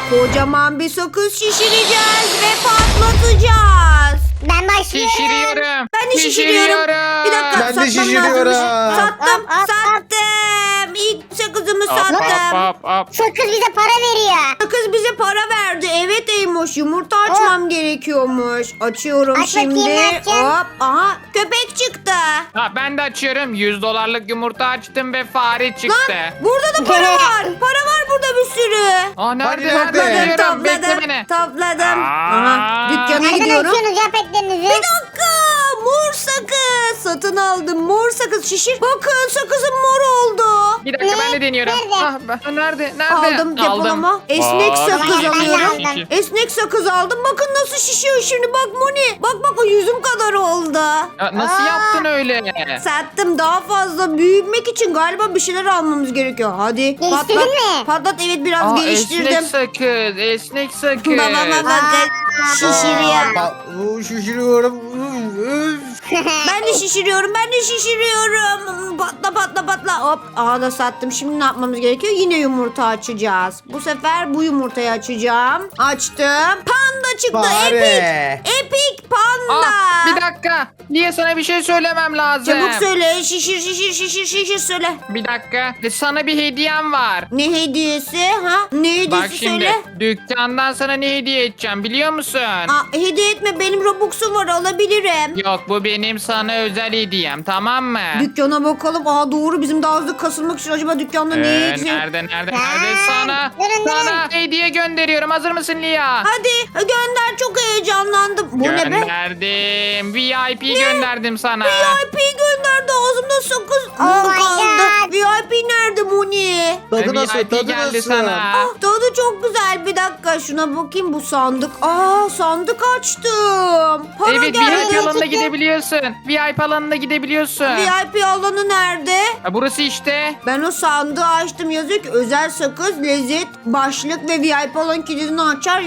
Kocaman bir sakız şişireceğiz ve patlatacağız. Ben başlıyorum. Şişiriyorum. Ben de şişiriyorum. Bir dakika, Ben de satmam şişiriyorum. lazım. Sattım, Hop, hop, hop. sattım. İlk sakızımı Hop sattım. hop hop. Sakız bize para veriyor. Sakız bize para verdi. Evet Eymoş, yumurta açmam gerekiyormuş. Açıyorum Aç bakayım, şimdi. ne yapacaksın? Hop, aha köpek çıktı. Ha, ben de açıyorum. $100'lık yumurta açtım ve fare çıktı. Lan burada da para var. Para var burada bir sürü. Aa, nerede? Hadi, Nerede? nerede? Diyorum, bekle Topladım, beni. topladım. Aa. Aha, dükkana Nereden gidiyorum. açıyorsunuz ya petlerinizi? Bir dakika, mor sakız. Satın aldım, mor sakız şişir. Bakın sakızım mor oldu. Bir dakika, Ne? ben de deniyorum. Nerede? Nerede? Nerede? Aldım depolama. Esnek Aa, sakız ben de alıyorum. aldım. Esnek sakız aldım. Bakın nasıl şişiyor şimdi. Bak Moni. Bak o yüzüm kadar oldu. Ya, nasıl Aa. yaptın öyle? Sattım, daha fazla büyümek için galiba bir şeyler almamız gerekiyor. Hadi patlat. Geliştirdin mi? Patlat, evet biraz Aa, geliştirdim. esnek sakız. Esnek sakız. Babama bakın. Şişiriyor. Şişiriyorum. Ben de şişiriyorum. Patla. Hop. Aha da sattım. Şimdi ne yapmamız gerekiyor? Yine yumurta açacağız. Bu sefer bu yumurtayı açacağım. Açtım. Panda çıktı. Fare. Epic panda. Bir dakika. Niye sana bir şey söylemem lazım? Çabuk söyle. Şişir söyle. Bir dakika. Sana bir hediyem var. Ne hediyesi? Ha? Ne hediyesi Bak şimdi söyle. dükkandan sana ne hediye edeceğim biliyor musun? Hediye etme. Benim Robux'um var. Alabilirim. Yok, bu benim sana özel hediyem, tamam mı? Dükkana bakalım. Aa doğru, bizim daha hızlı kasılmak için acaba dükkanda ne yiyeceğiz? Nerede? Ha, Sana durun. hediye gönderiyorum. Hazır mısın Lia? Hadi gönder, çok heyecanlandım. Bu ne be? Gönderdim. VIP gönderdim sana. VIP gönderdi, ağzımda sakız Oh my kaldı. God. VIP nerede Moni? Tadı nasıl? VIP Tadı geldi nasıl? sana. Ah, tadı çok güzel. Bir dakika şuna bakayım, bu sandık. Aa, sandık açtım. Para Evet, geldi. VIP alanına gidebiliyorsun. VIP alanına gidebiliyorsun. VIP alanı nerede? Ha, burası işte. Ben o sandığı açtım, yazıyor ki özel sakız, lezzet, başlık ve VIP alan kilidini açar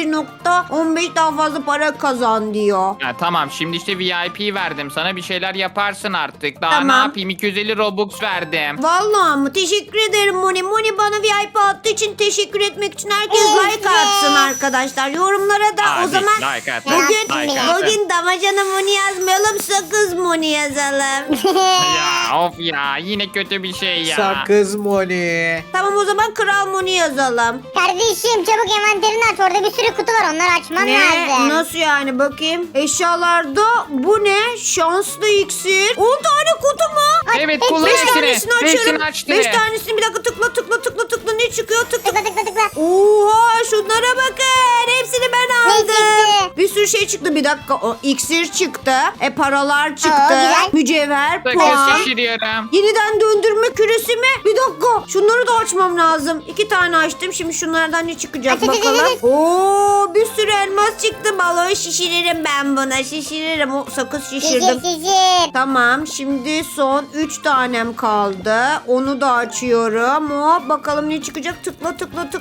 1.15 daha fazla para kazan diyor. Ha, tamam, şimdi işte VIP verdim sana, bir şeyler yaparsın artık. Daha Tamam. ne yapayım, 250 Robux verdim. Vallahi mı? Teşekkür ederim Moni. Moni bana VIP attığı için teşekkür etmek için herkes Evet. like atsın arkadaşlar. Yorumlara da o Hadi, zaman like at, bugün like at. bugün damacana Moni yazmayalım, sakız Moni yazalım. Ya of ya, yine kötü bir şey ya. Sakız Moni. Tamam, o zaman Kral Moni yazalım. Kardeşim çabuk envanterini aç. Orada bir sürü kutu var. Onları açman Ne? lazım. Nasıl yani, bakayım. Eşyalarda bu ne? Şanslı iksir. 10 tane kutu mu? Evet, Hep kullan 5 hepsini. tanesini açıyorum. Hepsini açtı. 5 tanesini bir dakika tıkla ne çıkıyor? Tıkla. Tıkla. Oha, şunlara bakın. Hepsini ben Ne aldım. çıktı? Bir sürü şey çıktı. Bir dakika, o iksir çıktı. Paralar çıktı. güzel. Mücevher, Sakız puan. şişiriyorum. Yeniden döndürme küresi mi? Bir dakika. Şunları da açmam lazım. 2 tane açtım. Şimdi şunlardan ne çıkacak Aç. bakalım. Oo, bir sürü elmas çıktı. Balon şişiririm ben buna. Şişiririm. O sakız şişirdim. Şişir. Tamam, şimdi son 3 tanem kaldı. Onu da açıyorum. Hop, bakalım ne çıkacak. Tıkla.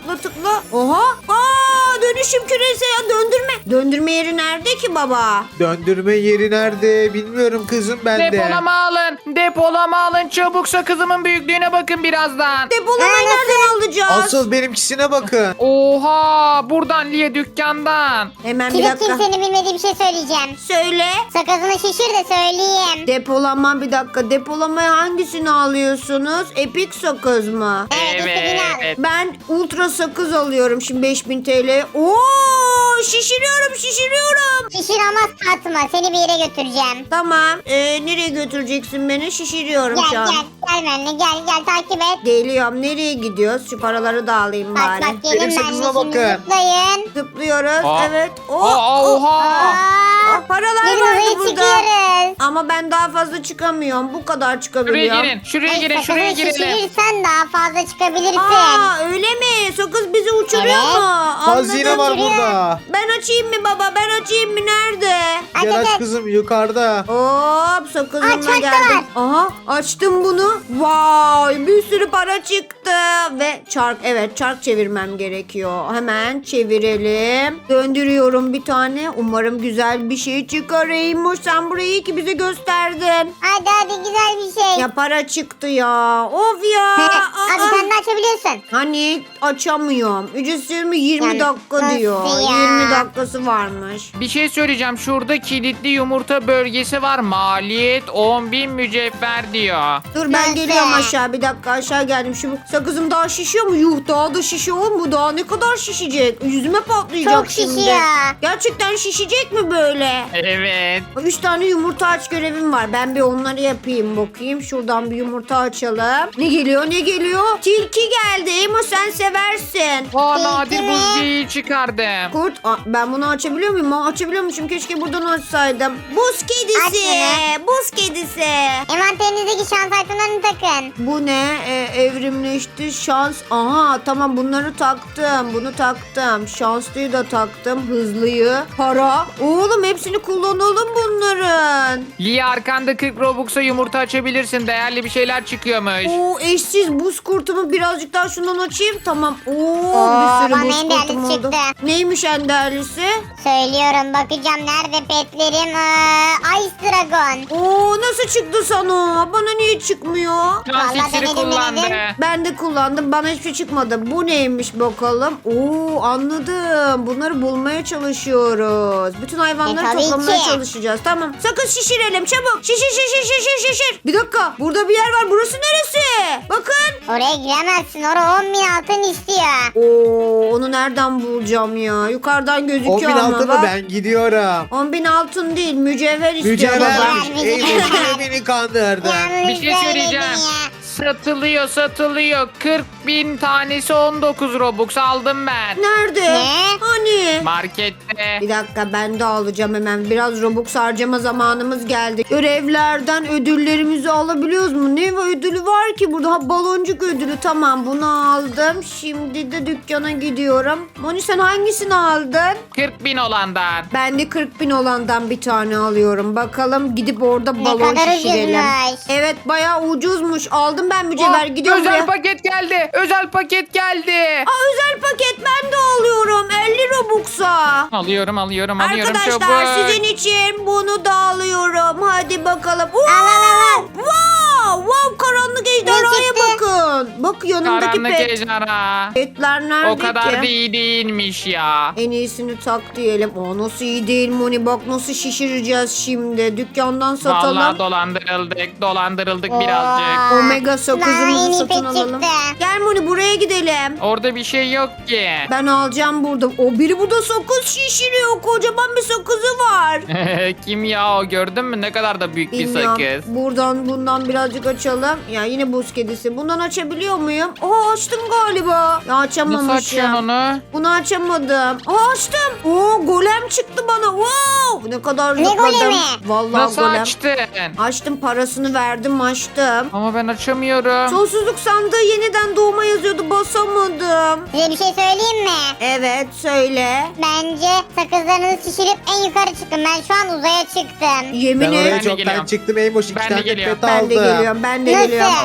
Oha. Aa, dönüşüm küresi ya, döndürme. Döndürme yeri nerede ki baba? Döndürme yeri nerede? Bilmiyorum kızım ben de. Depolama alın. Çabuk, sakızımın büyüklüğüne bakın birazdan. Depolamayı nereden alacağız? Asıl benimkisine bakın. Oha, buradan Lia, dükkandan. Hemen bir Kilit dakika. kimsenin bilmediği bir şey söyleyeceğim. Söyle. Sakızını şişir de söyleyeyim. Depolama, bir dakika. Depolamaya hangisini alıyorsunuz? Epic sakız mı? istediğini al. Ben ultra sakız alıyorum şimdi 5000 TL. Oo, şişiriyorum. Şişir ama satma. Seni bir yere götüreceğim. Tamam. Nereye götüreceksin beni? Şişiriyorum şu an. Gel benimle gel takip et. Geliyorum. Nereye gidiyoruz? Şu paraları da alayım Bak bari. gelin Benim benimle sakızıma şimdi bakın. zıplayın. Zıplıyoruz. Aa. Evet. Oha. Paralar Gelin vardı buraya burada. çıkıyoruz. Ama ben daha fazla çıkamıyorum. Bu kadar Şuraya çıkabiliyorum. girin. Şuraya girin. Şuraya Sakızı girelim. şişirirsen daha fazla çıkabilirsin. Aa, öyle mi? Sakız bizi uçuruyor Evet. mu? Hazine Anladım. var Şuraya. burada. Ben açayım mı baba? Ben açayım mı? Nerede? Gel Aç. aç kızım yukarıda. Hop, sakızımla Aç, bak da geldim. var. Aha, açtım bunu. Vay, bir sürü para çıktı. Ve çark, evet çark çevirmem gerekiyor. Hemen çevirelim. Döndürüyorum bir tane. Umarım güzel bir şey çıkarayım. Sen burayı iyi ki bize gösterdin. Hadi güzel bir şey. Ya para çıktı ya. Of ya. Hadi sen de açabiliyorsun. Hani açamıyorum. Ücretsiz mi? 20 20 dakika Nasıl diyor. ya? 20 dakikası varmış. Bir şey söyleyeceğim. Şurada kilitli yumurta bölgesi var. Maliyet 10.000 mücevher diyor. Dur ben Nasıl? geliyorum aşağı. Bir dakika aşağı geldim. Şu sakızım daha şişiyor mu? Yuh daha da şişiyor oğlum. Bu daha ne kadar şişecek? Yüzüme patlayacak Çok şimdi. şişiyor. Gerçekten şişecek mi böyle? Evet. 3 tane yumurta aç görevim var. Ben bir onları yapayım bakayım. Şuradan bir yumurta açalım. Ne geliyor ne geliyor? Tilki geldi. Emo sen seversin. Nadir Tilki mi? buz geyiği çıkardım. Kurt ben bunu açabiliyor muyum? Açabiliyormuşum. Keşke buradan açsaydım. Buz kedisi. Aç Buz kedisi. Envanterinizdeki şans itemlerini takın. Bu ne? Evrimleşti şans. Aha tamam bunları taktım. Bunu taktım. Şanslıyı da taktım. Hızlıyı. Para. Oğlum hepsini kullanalım bunların. Lia arkanda 40 Robux'a yumurta açabilirsin. Değerli bir şeyler çıkıyormuş. Oo eşsiz buz kurtumu birazcık daha şundan açayım. Tamam. Oo Oo, bir bana sürü buz en değerlisi kurtum oldu. çıktı. Neymiş en değerlisi? Söylüyorum bakacağım nerede petlerim. Ice Dragon. Oo nasıl çıktı sana? Bana niye çıkmıyor? Şans Vallahi iksiri denedim, kullandı. denedim. Ben de kullandım. Bana hiçbir şey çıkmadı. Bu neymiş bakalım? Oo anladım. Bunları bulmaya çalışıyoruz. Bütün hayvanları tabii toplamaya ki. çalışacağız. Tamam. Sakın şişirelim çabuk. Şişir. Bir dakika. Burada bir yer var. Burası neresi? Bakın. Oraya giremezsin. Oraya 10.000 altın istiyor. Oo onu nereden bulacağım ya? Yukarıdan gözüküyor 10.000 ama altın bak. mı? Ben gidiyorum. 10.000 altın değil. Mücevher istiyor baba. Mücevhermiş. Mücevher. Eyvah beni kandırdı. Yalnız Bir şey söyledin söyleyeceğim. ya. Satılıyor. 40.000 tanesi 19 Robux aldım ben. Nerede? Ne? Hani? Markette. Bir dakika ben de alacağım hemen. Biraz Robux harcama zamanımız geldi. Görevlerden ödüllerimizi alabiliyoruz mu? Ne ödülü var ki burada? Ha, baloncuk ödülü. Tamam bunu aldım. Şimdi de dükkana gidiyorum. Moni sen hangisini aldın? 40.000 olandan. Ben de 40.000 olandan bir tane alıyorum. Bakalım gidip orada balon kadar şişirelim. ucuzmuş. Evet bayağı ucuzmuş. Aldım ben mücevher. Gidiyorum özel buraya. paket geldi. Özel paket geldi. Aa, özel paket ben de alıyorum. 50 Robux'a. Alıyorum Arkadaşlar çabuk. sizin için bunu da alıyorum. Hadi bakalım. al. Wow, karanlık ejderhaya çıktı? bakın. Bak yanındaki Karanlık pet. ejderha. Petler nerede O kadar ki? da iyi değilmiş ya. En iyisini tak diyelim. O nasıl iyi değil Moni. Bak nasıl şişireceğiz şimdi. Dükkandan satalım. Vallahi dolandırıldık birazcık. Oo. Omega Lan, en sakızımızı iyi satın pet alalım. çıktı. Gel Moni buraya gidelim. Orada bir şey yok ki. Ben alacağım burada. O biri burada sakız şişiriyor. Kocaman bir sakızı var. Kim ya o, gördün mü ne kadar da büyük bir Bilmiyorum. sakız. Bundan birazcık açalım. Ya yine buz kedisi. Bundan açabiliyor muyum? Aa açtım galiba. Ya açamamışım. Nasıl açıyorsun onu? Bunu açamadım. Aa açtım. Oo golem çıktı bana. Wow. Ne kadar Ne zıpladım. golemi? Vallahi Nasıl golem. açtın? Açtım parasını verdim açtım. Ama ben açamıyorum. Sonsuzluk sandığı yeniden doğma yazıyordu basamadım. Size bir şey söyleyeyim mi? Evet söyle. Bence sakızlarınızı şişirip en yukarı çıkın. Ben şu an uzaya çıktım. Yemin Ben et. oraya Ben de çoktan geliyorum. çıktım. Eymoş 2 Ben de tane geliyorum. pet Ben de aldım. geliyorum. Ben de Nasıl? geliyorum.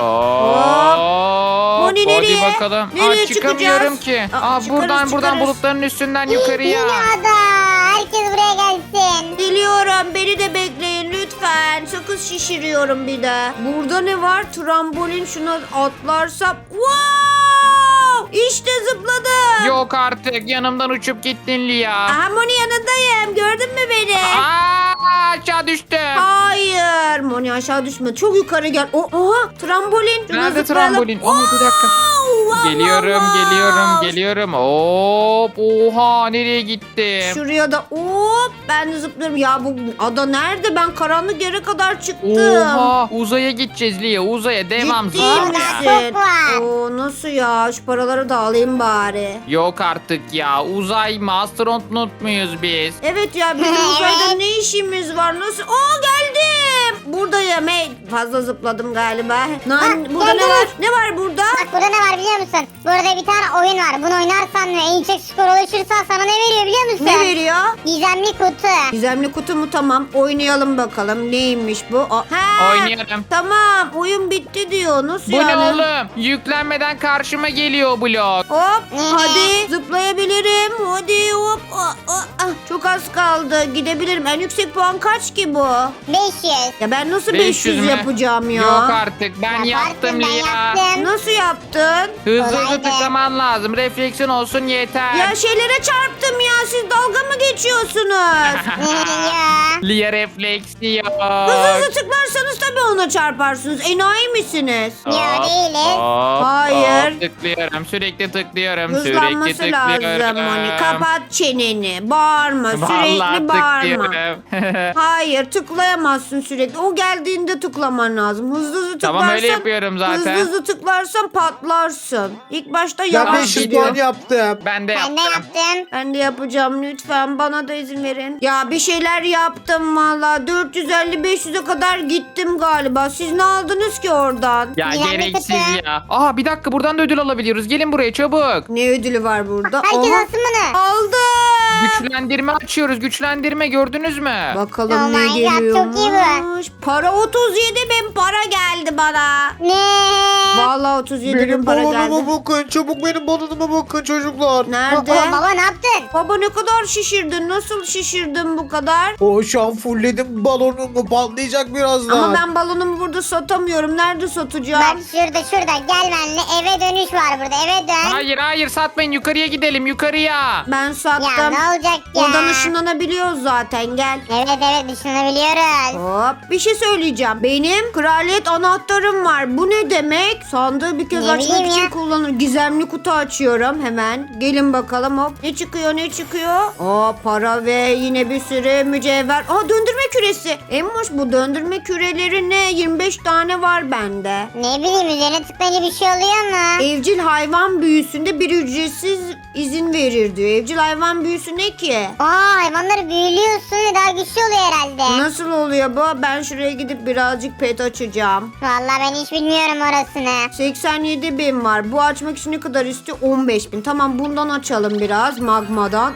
Moni nereye? Hadi bakalım. Nereye çıkamıyorum çıkacağız? ki. Çıkarız. Buradan bulutların üstünden yukarıya. Yeni ada. Herkes buraya gelsin. Geliyorum. Beni de bekleyin lütfen. Sakız şişiriyorum bir de. Burada ne var? Trambolin şuna atlarsam. Wow! İşte zıpladım. Yok artık yanımdan uçup gittin Lia. Aha Moni yanındayım. Gördün mü beni? Aşağı düştüm. Hayır. Moni aşağı düşme. Çok yukarı gel. Oha trambolin. Şuna Nerede zıplayalım. trambolin? Ama bir dakika. Wow, Geliyorum. Hop. Oha nereye gittim? Şuraya da hop ben de zıplıyorum. Ya bu ada nerede? Ben karanlık yere kadar çıktım. Oha uzaya gideceğiz Lia, uzaya devam Ciddi zıpla. misin? Çok var. Oo, nasıl ya? Şu paraları da alayım bari. Yok artık ya, uzay mı, astronot muyuz biz? Evet ya bizim Evet. uzayda ne işimiz var? Nasıl? Aa geldim. Buradayım. Hey, fazla zıpladım galiba. Burada ne geldim. var? Ne var burada? Bak burada ne var biliyor musun? Burada bir tane oyun var. Bunu oynarsan ve en yüksek skor ulaşırsan sana ne veriyor biliyor musun? Ne veriyor? Gizemli kutu. Gizemli kutu mu? Tamam. Oynayalım bakalım. Neymiş bu? Ha! Oynuyorum. Tamam. Oyun bitti diyor. Nasıl Bu ne yani? oğlum? Yüklenmeden karşıma geliyor blok. Hop. Ne? Hadi. Zıplayabilirim. Hadi hop. Çok az kaldı. Gidebilirim. En yüksek puan kaç ki bu? 500. Ya Ben nasıl 500 500 mü? yapacağım ya? Yok artık ben Yaparsın, yaptım ben Lia. yaptım. Nasıl yaptın? Hızlı hızlı Kolaydı. tıklaman lazım. Refleksin olsun yeter. Ya şeylere çarptım ya. Siz dalga mı geçiyorsunuz? Ya. Lia refleksi yok. Hızlı hızlı tıklarsanız tabii ona çarparsınız. Enayi misiniz? Yo, değiliz. Hayır. Tıklıyorum. Sürekli tıklıyorum. Hızlanması sürekli lazım tıklıyorum. Moni. Kapat çeneni. Bağırma. Sürekli Vallahi bağırma. tıklıyorum. Hayır tıklayamazsın sürekli. O geldiğinde tıklaman lazım. Hızlı hızlı tıklarsan. Tamam, öyle yapıyorum zaten. Hızlı hızlı tıklarsan patlarsın. İlk başta Ben yavaş 500 gidiyor. puan yaptım. Ben de Ben de yaptım. yaptım. Ben de yapacağım lütfen. Bana da izin verin. Ya bir şeyler yaptım valla. 450-500'e kadar gittim galiba. Siz ne aldınız ki oradan? Ya Güzel bir gereksiz tıkı. ya. Aa bir dakika buradan da ödül alabiliyoruz. Gelin buraya çabuk. Ne ödülü var burada? Herkes Oha, alsın bunu. aldım. Güçlendirme açıyoruz. Güçlendirme gördünüz mü? Bakalım Oh ne my God, geliyormuş. çok iyi Para 37 bin para geldi bana. Ne? Vallahi 37 bin Benim para geldi. balonuma bakın. Çabuk benim balonuma bakın çocuklar. Nerede? Baba ne yaptın? Baba ne kadar şişirdin? Nasıl şişirdin bu kadar? Şu an fullledim balonumu. Patlayacak birazdan. Ama ben balonumu burada satamıyorum. Nerede satacağım? Bak şurada gel benimle, eve dönüş var burada, eve dön. Hayır hayır satmayın. Yukarıya gidelim yukarıya. Ben sattım. Ya ne olacak ya? Oradan ışınlanabiliyoruz zaten gel. Evet düşünebiliyoruz. Hop bir şey söyleyeceğim. Benim kraliyet anahtarım var. Bu ne demek? Sandığı bir kez Ne açmak bileyim için ya. kullanır. Gizemli kutu açıyorum hemen. Gelin bakalım hop. Ne çıkıyor ne çıkıyor? Aa para ve yine bir sürü mücevher. Aa döndürme küresi. Emmoş bu döndürme küreleri ne? 25 tane var bende. Ne bileyim, üzerine tıklayınca bir şey oluyor mu? Evcil hayvan büyüsünde bir ücretsiz izin verir diyor. Evcil hayvan büyüsü ne ki? Aa, hayvanları büyülüyorsun ve daha güçlü oluyor herhalde. Nasıl oluyor bu? Ben şuraya gidip birazcık pet açacağım. Vallahi ben hiç bilmiyorum orasını. 87 bin var. Bu açmak için ne kadar istiyor? 15 bin. Tamam bundan açalım biraz magmadan.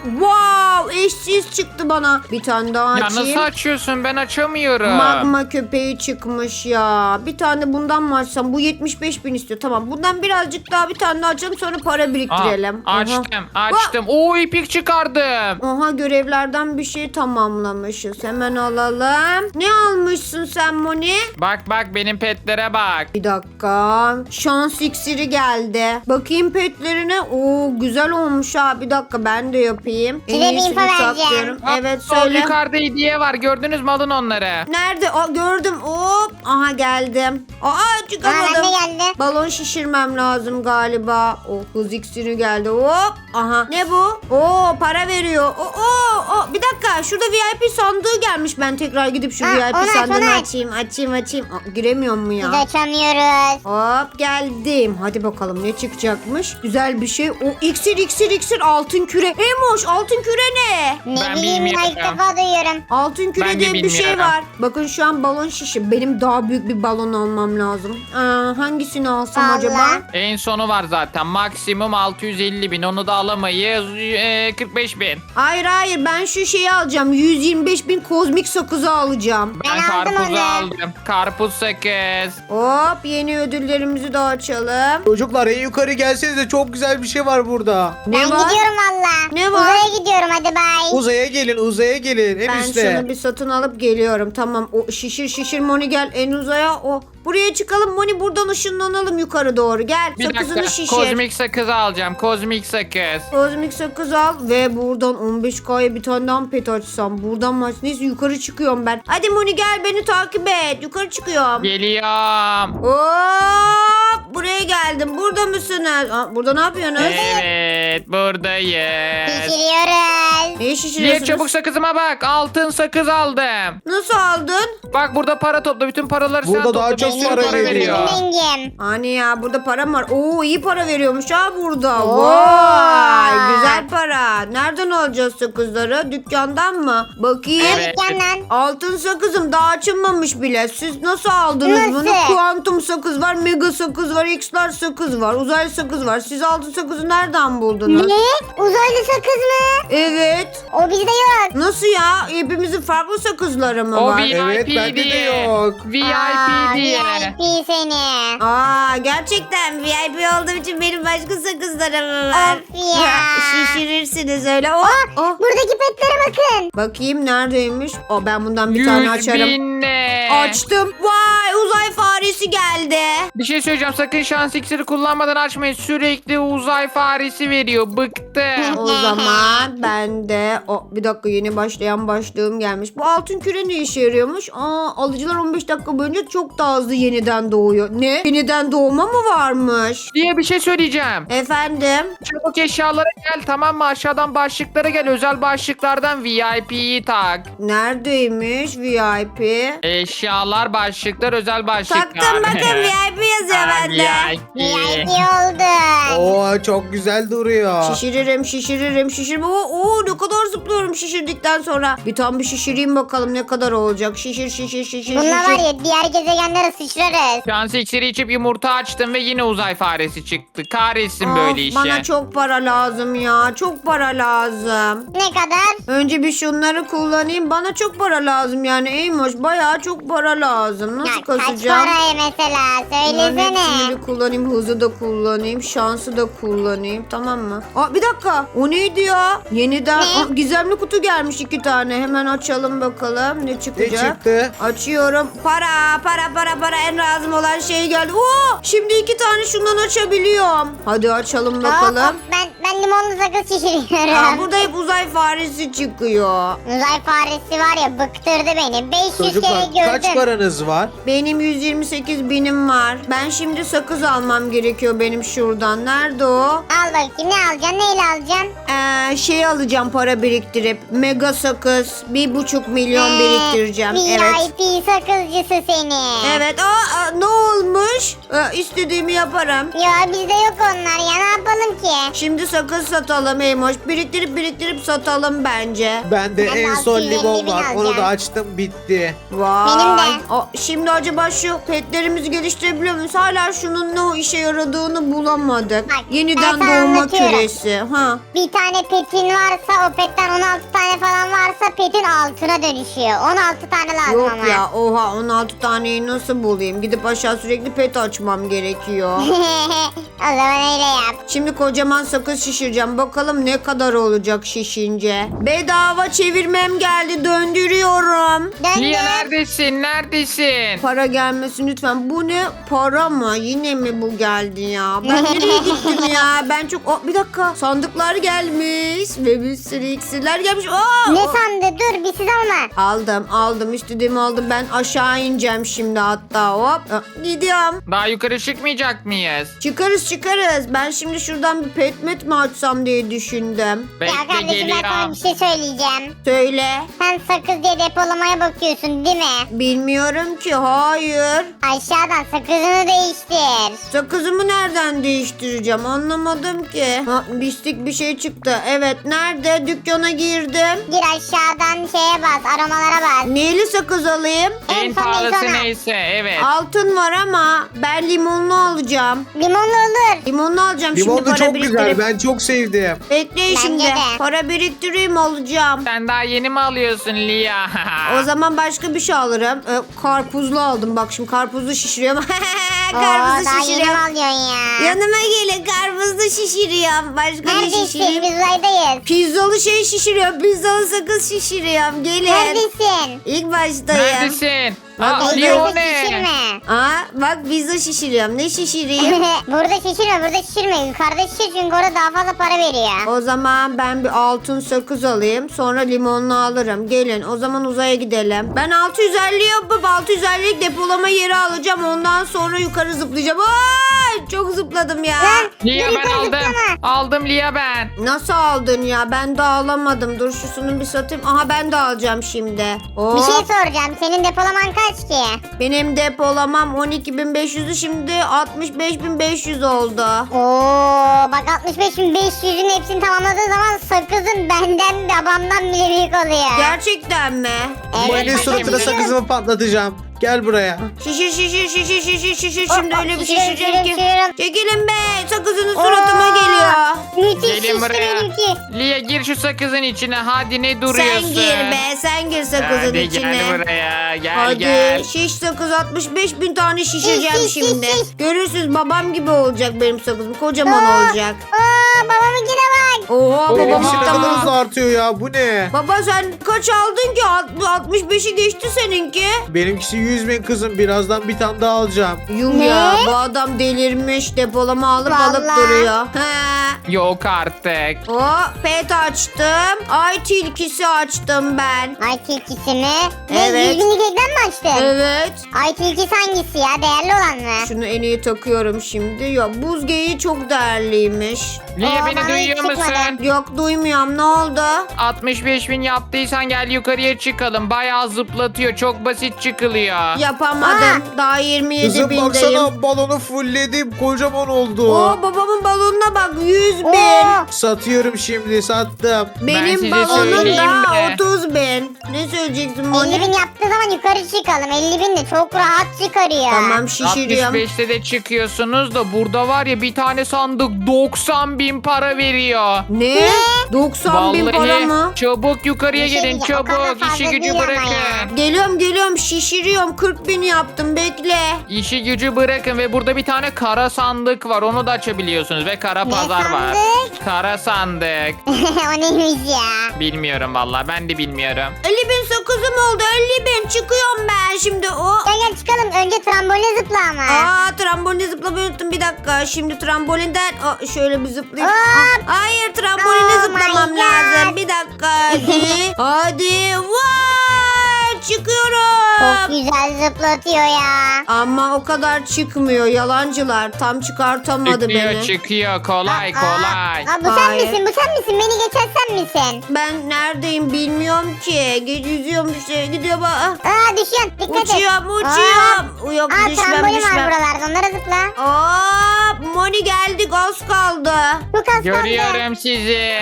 Wow eşsiz çıktı bana. Bir tane daha Ya açayım. nasıl açıyorsun? Ben açamıyorum. Magma köpeği çıkmış ya. Bir tane bundan mı açsam? Bu 75 bin istiyor. Tamam bundan birazcık daha bir tane daha açalım sonra para biriktirelim. Aa, açtım açtım. Oo ipik çıkardım. Aha görevlerden bir şey tamamlamışız. Hemen alalım. Ne almışsın sen Moni? Bak benim petlere bak. Bir dakika. Şans iksiri geldi. Bakayım petlerine. Oo güzel olmuş ha. Bir dakika ben de yapayım. Size bir info vereceğim. saklıyorum. Evet Sol söyle. yukarıda hediye var. Gördünüz mü? Alın onları. Nerede? Aa, gördüm. Hop. Aha geldim. Aa Aa, ben çıkamadım. de geldi. Balon şişirmem lazım galiba. Oh hız iksiri geldi. Hop. Aha. Ne bu? Oo para veriyor. Bir dakika. Şurada VIP sandığı gelmiş. Ben tekrar gidip şu Ha, VIP onu aç, sandığını onu aç. açayım. Açayım. Aa, giremiyor mu ya? Biz açamıyoruz. Hop geldim. Hadi bakalım ne çıkacakmış. Güzel bir şey. O iksir altın küre. Emoş altın küre ne? Ne Ben bileyim ya, ilk bilmiyorum. defa duyuyorum. Altın küre Ben de diye bir şey bilmiyorum. var. Bakın şu an balon şişi. Benim daha büyük bir balon almam lazım. Hangisini alsam Vallahi. acaba? En sonu var zaten. Maksimum 650 bin. Onu da alamayız. 45 bin. Hayır ben şu şeyi alacağım. 125 bin kozmik sakızı alacağım. Ben Ben aldım karpuzu onu. aldım. Karpuz sakız. Hop yeni ödüllerimizi de açalım. Çocuklar en yukarı gelsenize çok güzel bir şey var burada. Ne ben var? gidiyorum valla. Ne var? Uzaya gidiyorum, hadi bay. Uzaya gelin en Ben üstte. şunu bir satın alıp geliyorum. Tamam o şişir Moni gel en uzaya o. Buraya çıkalım Moni buradan ışınlanalım yukarı doğru. Gel Bir sakızını dakika. şişir. Kozmik sakız alacağım. Kozmik sakız. Kozmik sakız al ve buradan 15K'ya bir tane daha pet açsam. Buradan mı aç? Neyse yukarı çıkıyorum ben. Hadi Moni gel beni takip et. Yukarı çıkıyorum. Geliyorum. Hop buraya geldim. Burada mısınız? Burada ne yapıyorsunuz? Evet buradayız. Şişiriyoruz. Neyi Niye şişiriyorsunuz? çabuk sakızıma bak. Altın sakız aldım. Nasıl aldın? Bak burada para topla. Bütün paraları sen Burada topla. daha çok Bir sürü para para veriyor. veriyor. Rengim. Hani ya burada param var. Oo iyi para veriyormuş ha burada. Oo. Vay güzel para. Nereden alacağız sakızları? Dükkandan mı? Bakayım. Evet. Dükkandan. Altın sakızım daha açılmamış bile. Siz nasıl aldınız Nasıl? bunu? Kuantum sakız var, mega sakız var, X'lar sakız var, uzaylı sakız var. Siz altın sakızı nereden buldunuz? Ne? Uzaylı sakız mı? Evet. O bizde yok. Nasıl ya? Hepimizin farklı sakızları mı O var? VIP Evet, bende de diye. yok. VIP diye. VIP seni. Aa gerçekten VIP olduğum için benim başka sakızlarım var. Of ya. Şişirirsiniz de söyle. Oh, oh. Buradaki petlere bakın. Bakayım neredeymiş? Ben bundan bir tane 100 açarım. binle. Açtım. Vay, uzay faresi geldi. Bir şey söyleyeceğim, sakın şans iksiri kullanmadan açmayın. Sürekli uzay faresi veriyor. Bıktım. O zaman ben de bir dakika, yeni başlayan başlığım gelmiş. Bu altın küre ne işe yarıyormuş? Alıcılar 15 dakika boyunca çok daha hızlı yeniden doğuyor. Ne? Yeniden doğma mı varmış? Diye bir şey söyleyeceğim. Efendim? Çabuk eşyalara gel, tamam mı? Aşağıdan başlıklara gel. Özel başlıklardan VIP'yi tak. Neredeymiş VIP? Eşyalar, başlıklar, özel başlıklar. Taktım, bakın VIP yazıyor bende. VIP oldu. Oo çok güzel duruyor. Şişiririm. Oo, ne kadar zıplıyorum şişirdikten sonra. Bir tane bir şişireyim bakalım ne kadar olacak. Şişir. Bununla var ya diğer gezegenlere sıçrarız. Şans iksiri içip yumurta açtım ve yine uzay faresi çıktı. Kahretsin Of, böyle işe. bana çok para lazım ya. Çok para lazım. Ne kadar? Önce bir şunları kullanayım. Bana çok para lazım yani Eymoş. Bayağı çok para lazım. Nasıl Ya, kaç kasacağım? paraya mesela Bunların hepsini söylesene. bir kullanayım. Hızı da kullanayım. Şansı da kullanayım. Tamam mı? Bir dakika. O neydi ya? Yeniden Ne? gizemli kutu gelmiş 2 tane. Hemen açalım bakalım. Ne Ne çıkacak? çıktı? Açıyorum. Para. En lazım olan şey geldi. Oo! Şimdi 2 tane şundan açabiliyorum. Hadi açalım bakalım. Hop, ben limonlu sakız şişiriyorum. Burada hep uzay faresi çıkıyor. Uzay faresi var ya bıktırdı beni. 500 Çocuklar kere kaç gördüm. paranız var? Benim 128 binim var. Ben şimdi sakız almam gerekiyor benim şuradan. Nerede o? Al bakayım ne alacaksın neyle alacaksın? Şey alacağım para biriktirip. Mega sakız. 1,5 milyon biriktireceğim. Evet. VIP sakızcısı seni. Evet. Ne olmuş? İstediğimi yaparım. Ya bizde yok onlar ya ne yapalım ki? Şimdi sakız satalım Eymoş. Biriktirip satalım bence. Bende Ben de en son 650 limon bin var. Onu da alacağım. açtım bitti. Vay. Benim de. Şimdi acaba şu petlerimizi geliştirebiliyor muyuz? Hala şunun ne işe yaradığını bulamadık. Bak, Yeniden ben sana doğma anlatıyorum. küresi. Ha. Bir tane petin varsa o petten 16 tane falan varsa petin altına dönüşüyor. 16 tane lazım Yok ama. ya, oha, 16 taneyi nasıl bulayım? Gidip aşağı sürekli pet açmam gerekiyor. O zaman öyle yap. Şimdi kocaman sakız şişireceğim. Bakalım ne kadar olacak şişince. Bedava çevirmem geldi. Döndürüyorum. Döndür. Lia neredesin? Para gelmesin lütfen. Bu ne? Para mı? Yine mi bu geldi ya? Ben nereye gittim ya? Ben çok... bir dakika. Sandıklar gelmiş. Ve bir sürü iksirler gelmiş. Ne sandı? Dur bir siz alma. Aldım. İstediğimi aldım. Ben aşağı ineceğim şimdi hatta. Hop. Gidiyorum. Daha yukarı çıkmayacak mıyız? Çıkarız. Ben şimdi şuradan bir petmet mi açsam diye düşündüm. Ya Bekle kardeşim ben sana geliyorum. bir şey söyleyeceğim. Söyle. Sen sakız diye depolamaya bakıyorsun değil mi? Bilmiyorum ki. Hayır. Aşağıdan sakızını değiştir. Sakızımı nereden değiştireceğim? Anlamadım ki. Bistik bir şey çıktı. Evet. Nerede? Dükkana girdim. Gir aşağıdan şeye bas aromalara bas. Neyli sakız alayım? En son pahalısı sonra. neyse, evet. Altın var ama ben limonlu alacağım. Limonlu olur. Limonlu alacağım. Şimdi Limonlu para çok biriktirip. güzel. Ben çok sevdim. Bekleyin Bence şimdi. de. Para biriktireyim alacağım. Sen daha yeni mi alıyorsun Lia? O zaman başka bir şey alırım. Karpuzlu aldım. Bak şimdi karpuzlu şişiriyorum. Oo, Karpuzlu daha yeni mi şişiriyorum. alıyorsun ya? Yanıma gelin, karpuzlu şişiriyorum. Başka ne Neredesin? şişireyim? Biz uzaydayız. Pizzalı şey şişiriyorum. Pizzalı sakız şişiriyorum. Gelin. Neredesin? İlk baştayım. Neredesin? Bak, Lia o Burada ne? şişirme. Bak pizza şişiriyorum. Ne şişireyim? burada şişirme. Yukarıda şişir çünkü orada daha fazla para veriyor. O zaman ben bir altın sakız alayım. Sonra limonlu alırım. Gelin o zaman uzaya gidelim. Ben 650 yapıp 650'lik depolama yeri alacağım. Ondan sonra yukarı zıplayacağım. Ay, çok zıpladım ya. Lan, Lia dur ben yukarı aldım. zıplama. Aldım Lia ben. Nasıl aldın ya? Ben de alamadım. Dur şusunu bir satayım. Aha ben de alacağım şimdi. Bir şey soracağım. Senin depolaman kaç ki? Benim depolamam 12.500'ü şimdi 65.500 oldu. Oo, bak 65.500'ün hepsini tamamladığı zaman sakızın benden babamdan bile büyük oluyor. Gerçekten mi? Evet, Senin bak, suratına şişiriyorum. sakızımı patlatacağım. Gel buraya. Şişir. Şimdi öyle bir şişiriyorum, şişireceğim ki. şişiriyorum. Çekilin be. Sakızınız suratıma geliyor. Müthiş Gelin şişti buraya. benimki. Lia gir şu sakızın içine. Hadi ne duruyorsun? Sen gir be. Sen gir sakızın Hadi içine. gel buraya. Gel Hadi gel. şiş sakız 65.000 tane şişireceğim Şiş, şiş, şimdi. şiş, şiş. Görürsünüz babam gibi olacak benim sakızım. Kocaman olacak. Aa, babamınkine bak. Oha Oha. babam Benimkisi ne kadar tamam. hızlı artıyor ya. Bu ne? Baba sen kaç aldın ki? 65'i geçti seninki. Benimkisi 100.000 kızım. Birazdan bir tane daha alacağım. Yuh Ne? ya bu adam delirmiş. Depolama alıp Vallahi. duruyor. He. Yok artık. O pet açtım. Ay tilkisi açtım ben. Ay tilkisi mi? Ne Evet. 100 binlik ekran mı açtın? Evet. Ay tilkisi hangisi ya? Değerli olan mı? Şunu en iyi takıyorum şimdi. Ya buz geyiği çok değerliymiş. Lia Aa, beni bana duyuyor hiç çıkmadı. musun? Yok duymuyorum. Ne oldu? 65.000 yaptıysan gel yukarıya çıkalım. Bayağı zıplatıyor. Çok basit çıkılıyor. Yapamadım. Daha 27 Kızım bindeyim. baksana balonu fullledim. Kocaman oldu. Oo babamın balonuna bak 100 bin. Oo. Satıyorum şimdi. Sattım. Benim size balonum söyleyeyim da mi? 30 bin. Ne söyleyeceksin 50 Moni? bin yaptığı zaman yukarı çıkalım. 50 bin de çok rahat çıkarıyor. Tamam şişiriyorum. 65'te de çıkıyorsunuz da burada var ya bir tane sandık 90.000 para veriyor. Ne? 90 bin para mı? Çabuk yukarıya Bir şey gelin diyeceğim, o kadar çabuk fazla işi gücü değil ama bırakın. ya. Geliyorum şişiriyorum 40 bin yaptım bekle. İşi gücü bırakın ve burada bir tane kara sandık var onu da açabiliyorsunuz ve kara Ne pazar var. sandık? Kara sandık. O neymiş ya? Bilmiyorum vallahi ben de bilmiyorum. 50 bin sakızım oldu 50 bin çıkıyorum ben şimdi o. Gel çıkalım. Önce tramboline zıpla ama. Aa tramboline zıplamayı unuttum bir dakika. Şimdi trambolinden şöyle bir zıplayayım. Hop. Hayır tramboline Oh zıplamam my God. lazım. Bir dakika hadi. Hadi vay çıkıyorum. Çok güzel zıplatıyor ya. Ama o kadar çıkmıyor yalancılar. Tam çıkartamadı Çıkıyor beni. çıkıyor kolay kolay. Aa, bu sen Hayır. misin? Bu sen misin? Beni geçen sen misin? Ben neredeyim bilmiyorum ki. Gece yüzüyorum işte. Gidiyor bak. Aa düşüyorsun. Dikkat et. Uçuyorum. Yok Aa düşmem trambolin var düşmem. buralarda. Onlara zıpla. Hop Moni geldik az kaldı. Çok az kaldı. Görüyorum sizi.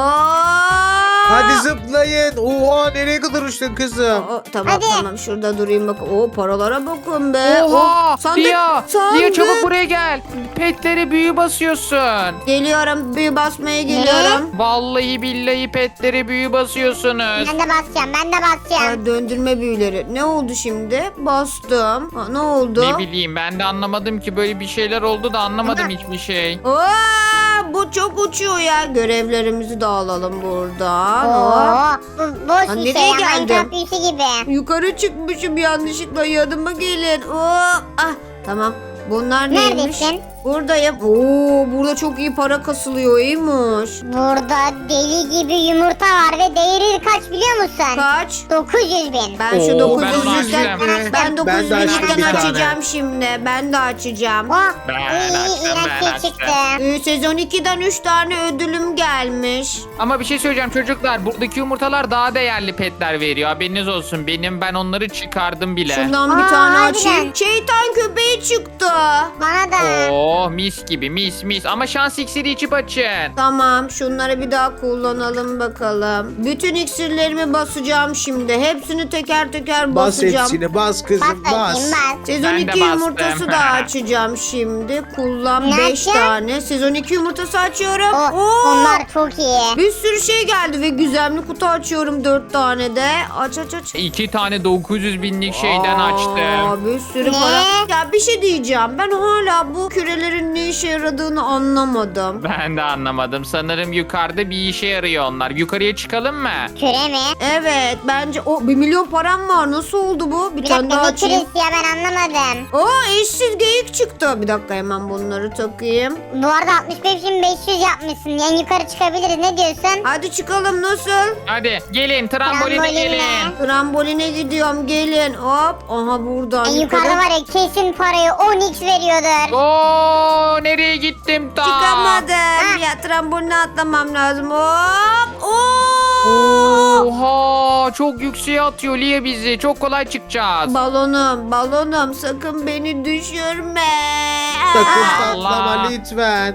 Hop. Hadi zıplayın. Oha nereye kadar uçtun kızım? Tamam Hadi. tamam şurada durayım bak. O paralara bakın be. Oha! Oh, sandık, Lia! sandık. Lia çabuk buraya gel. Petlere büyü basıyorsun. Geliyorum büyü basmaya geliyorum. Vallahi billahi petlere büyü basıyorsunuz. Ben de basacağım. Ben de basacağım. Aa, döndürme büyüleri. Ne oldu şimdi? Bastım. Ha, ne oldu? Ne bileyim ben de anlamadım ki böyle bir şeyler oldu da anlamadım hiçbir şey. Aa, bu çok uçuyor ya. Görevlerimizi de alalım buradan. Hop. Oo, bu boş bir nereye şey ya. geldim? Minecraft büyüsü gibi. Yukarı çıkmışım yanlışlıkla yanıma gelin. Hop. Ah, tamam. Bunlar neymiş? Neredesin? Buradayım. Oo, burada çok iyi para kasılıyor. İyiymiş. Burada deli gibi yumurta var ve değeri kaç biliyor musun? Kaç? 900 bin. Ben şu Oo, ben 900'lükten onu açtım. ben Ben de 900'lükten açtım bir tane. açacağım şimdi. Ben de açacağım. Oh, Ben iyi açtım, iğrenç ben şey açtım. çıktı. Sezon 2'den 3 tane ödülüm gelmiş. Ama bir şey söyleyeceğim çocuklar. Buradaki yumurtalar daha değerli petler veriyor. Haberiniz olsun. Ben onları çıkardım bile. Şundan bir Aa, tane harbiden. açayım. Şeytan köpeği çıktı. Bana da. Oh mis gibi mis. Ama şans iksiri içip açın. Tamam şunları bir daha kullanalım bakalım. Bütün iksirlerimi basacağım şimdi. Hepsini teker teker Bas basacağım. hepsini bas Bas kızım bas. bakayım bas. Sezon Ben de 2 bastım. yumurtası da açacağım şimdi. Kullan Ne 5 yapacaksın? tane. Sezon 2 yumurtası açıyorum. Oh, Oo! onlar çok iyi. Bir sürü şey geldi ve gizemli kutu açıyorum 4 tane de. Aç. 2 tane 900 binlik şeyden Aa, açtım. Bir sürü Ne? para. Ya bir şey diyeceğim. Ben hala bu kürelerin ne işe yaradığını anlamadım. Ben de anlamadım. Sanırım yukarıda bir işe yarıyor onlar. Yukarıya çıkalım mı? Küre mi? Evet bence o 1 milyon param var. Nasıl oldu bu? Bir Bir tane daha dakika ne açayım. küresi ya ben anlamadım. Oo eşsiz geyik çıktı. Bir dakika hemen bunları takayım. Bu arada 65.500 yapmışsın. Yani yukarı çıkabiliriz. Ne diyorsun? Hadi çıkalım nasıl? Hadi gelin tramboline Trambolinle. gelin. Tramboline gidiyorum gelin. Hop. Aha buradan En yukarıda var ya kesin parayı 10x veriyordur. Oo nereye gittim ta? Çıkamadım. Ya tramboline atlamam lazım. Hop. Oo. Oha çok yükseğe atıyor Lia bizi. Çok kolay çıkacağız. Balonum sakın beni düşürme. Sakın Allah. patlama lütfen.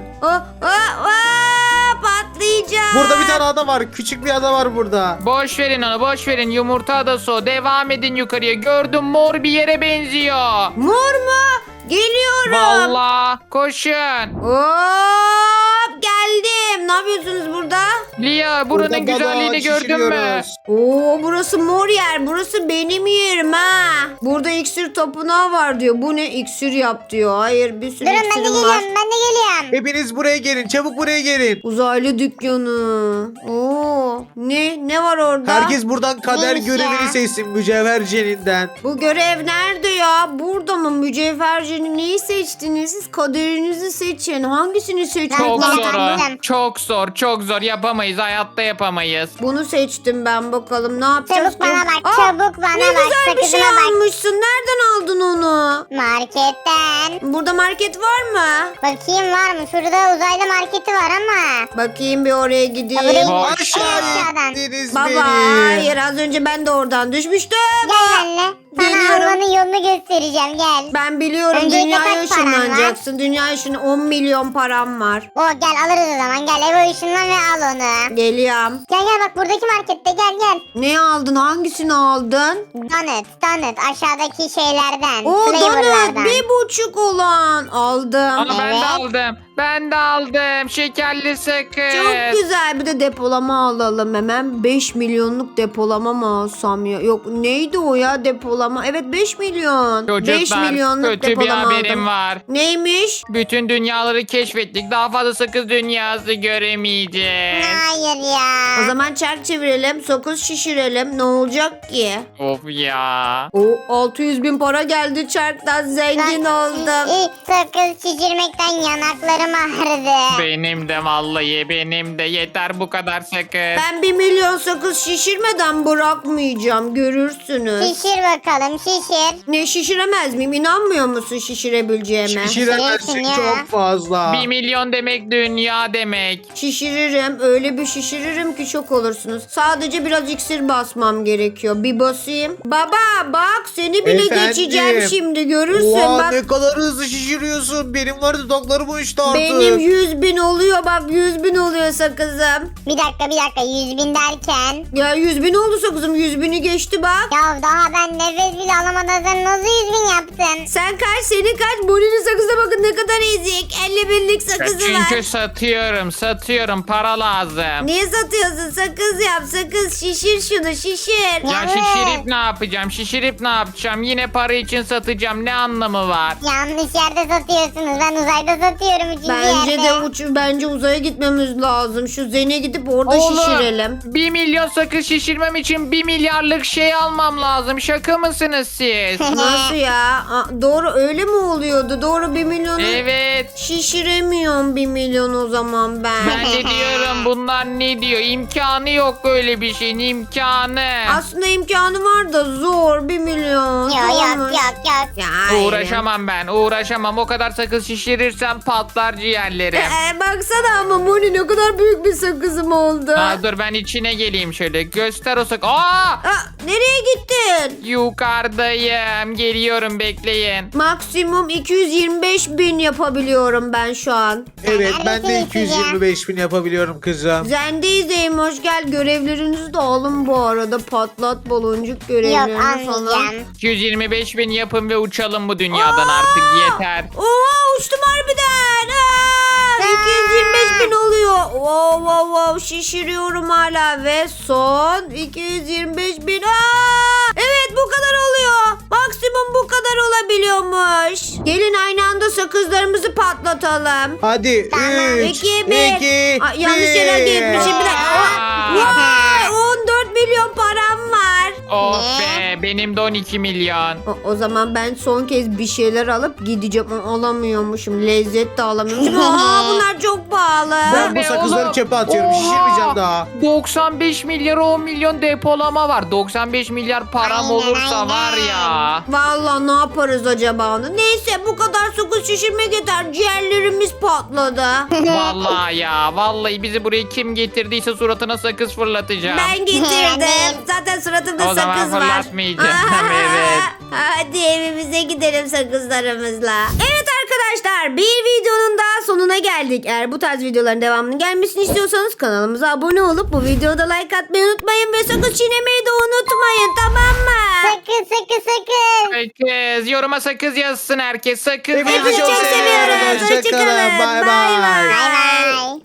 Patlayacağım. Burada bir tane ada var. Küçük bir ada var burada. Boş verin onu boş verin. Yumurta adası o. Devam edin yukarıya. Gördüm mor bir yere benziyor. Mor mu? Geliyorum. Vallahi koşun. Hop geldim. Ne yapıyorsunuz burada? Lia Burada buranın güzelliğini balon gördün mü? şişiriyoruz. Oo, burası mor yer. Burası benim yerim ha. Burada iksir tapınağı var diyor. Bu ne, iksir yap diyor. Hayır, bir sürü Durun ben de iksirim geliyorum var. ben de geliyorum. Hepiniz buraya gelin. Çabuk buraya gelin. Uzaylı dükkanı. Oo, ne var orada? Herkes buradan kader Neymiş ya? görevini seçsin mücevher ceninden. Bu görev nerede ya? Burada mı? Mücevhercinin neyi seçtiniz? Siz kaderinizi seçin. Hangisini Çok seçtiniz? Ben zor o. yaptım. Çok zor. Çok zor. Yapamayız. Hayatta yapamayız. Bunu seçtim ben, bakalım ne yapacağız Çabuk bana ki? bak, Aa, çabuk bana ne bak, güzel bir şey sakızıma bak. almışsın. Nereden aldın onu? Marketten. Burada market var mı? Bakayım var mı? Şurada uzaylı marketi var ama. Bakayım bir oraya gideyim. Ya buraya Bak. Aşağıdan. İndiniz Baba beni. hayır, az önce ben de oradan düşmüştüm. Gel benimle. Sana Geliyorum. almanın yolunu göstereceğim gel. Ben biliyorum, Öncelikle dünyaya kaç paran var? ışınlanacaksın. Dünya ışını 10 milyon param var. O gel alırız o zaman. Gel eve ışınlan ve al onu. Geliyorum. Gel gel bak buradaki markette gel. Ne aldın? Hangisini aldın? Donut aşağıdaki şeylerden. O donut flavorlardan. 1,5 olan aldım. Aa, ben de Evet. aldım. Ben de aldım. Şekerli sakız. Çok güzel, bir de depolama alalım hemen. 5 milyonluk depolama mı alsam ya? Yok, neydi o ya depolama? Evet, 5 milyon. 5 Çocuklar milyonluk kötü bir depolama haberim aldım. var. Neymiş? Bütün dünyaları keşfettik. Daha fazla sakız dünyası göremeyeceğiz. Hayır ya. O zaman çark çevirelim, sakız şişirelim. Ne olacak ki? Of ya. O 600 bin para geldi çarktan, zengin oldum. Sakız şişirmekten yanaklarım ağrıdı. Benim de vallahi benim de yeter bu kadar sakız. Ben 1 milyon sakız şişirmeden bırakmayacağım, görürsünüz. Şişir bakalım şişir. Ne, şişiremez miyim? İnanmıyor musun şişirebileceğime? Şişiremezsin ya. çok fazla. 1 milyon demek dünya demek. Şişiririm. Öyle bir şişiririm ki şok olursunuz. Sadece biraz iksir basmam gerekiyor. Bir basayım. Baba bak, seni bile Efendim? geçeceğim şimdi, görürsün. Oha, Bak ne kadar hızlı şişiriyorsun. Benim var dudaklarım uçtu artık. benim 100 bin oluyor, bak 100 bin oluyor sakızım. Bir dakika 100 bin derken. Ya 100 bin oldu sakızım, 100 bini geçti bak. Ya daha ben nefes bile alamadan sen nasıl 100 bin yaptın? Sen kaç, senin kaç? Bonnie'nin sakızına bakın ne kadar ezik. 50 binlik sakızı Çünkü var. satıyorum para lazım. Niye satıyorsun? Sakız yap, sakız şişir, şunu şişir. Ya Evet. şişirip ne yapacağım? Şişirip ne yapacağım? Yine para için satacağım. Ne anlamı var? Yanlış yerde satıyorsunuz. Ben uzayda satıyorum 3. Bence yerde. de bence uzaya gitmemiz lazım. Şu Zen'e gidip orada şişirelim. 1 milyon sakız şişirmem için 1 milyarlık şey almam lazım. Şaka mısınız siz? Nasıl ya? Doğru, öyle mi oluyordu? Doğru, 1 milyonu Evet. şişiremiyorum 1 milyon o zaman ben. Ben de diyorum bunlar ne diyor? İmkanı yok öyle bir şeyin imkanı. Aslında imkanı var da zor, 1 milyon. Yok yok Zormuş. yok. Ya, hayır. Uğraşamam ben uğraşamam. O kadar sakız şişirirsem patlar ciğerlerim. Baksana ama Moni, ne kadar büyük bir sakızım oldu. Dur ben içine geleyim şöyle. Göster o sakız. Aa! Aa, nereye gittin? Yukarıdayım. Geliyorum bekleyin. Maksimum 225 bin yapabiliyorum ben şu an. Evet, ben de Neredesiniz 225 bin yapabiliyorum kızım. Zendeyiz hoş gel. Görevlerinizi de alın bu arada. Patlat baloncuk Yok görevlerini falan. almayacağım. 225 bin yapın ve uçalım bu dünyadan artık yeter. Oha, uçtum harbiden. 225 bin oluyor. Wow, şişiriyorum hala ve son 225 bin. Evet, bu kadar oluyor. Maksimum bu kadar olabiliyormuş. Gelin aynı anda sakızlarımızı patlatalım. Hadi Tamam. 3, 2, 1. Yanlış yere gitmişim. Bir dakika. Vay, 14 milyon param var. Of Ne? be benim de 12 milyon. O zaman ben son kez bir şeyler alıp gideceğim. Alamıyormuşum. Lezzet de alamıyormuşum. Aa, bunlar çok pahalı. Ben bu Ne sakızları oğlum? çöpe atıyorum. Oha! Şişirmeyeceğim daha. 95 milyar 10 milyon depolama var. 95 milyar param Aynen, olursa aynen. var ya. Vallahi ne yaparız acaba onu? Neyse, bu kadar sakız şişirmek yeter. Ciğerlerimiz patladı. Vallahi ya. Vallahi bizi buraya kim getirdiyse suratına sakız fırlatacağım. Ben getirdim. Yani. Zaten suratımda O zaman sakız var. fırlatmayacağım, evet. Hadi evimize gidelim sakızlarımızla. Evet arkadaşlar, bir videonun daha sonuna geldik. Eğer bu tarz videoların devamının gelmesini istiyorsanız kanalımıza abone olup bu videoda like atmayı unutmayın ve sakız çiğnemeyi de unutmayın, tamam mı? Sakın. Sakız. Yoruma sakız yazsın herkes. Sakız Hepinizi Hepinizi yazsın. çok seviyoruz. Hoşça kalın. Hoşçakalın. Bay Bay bay. bay. Bay bay.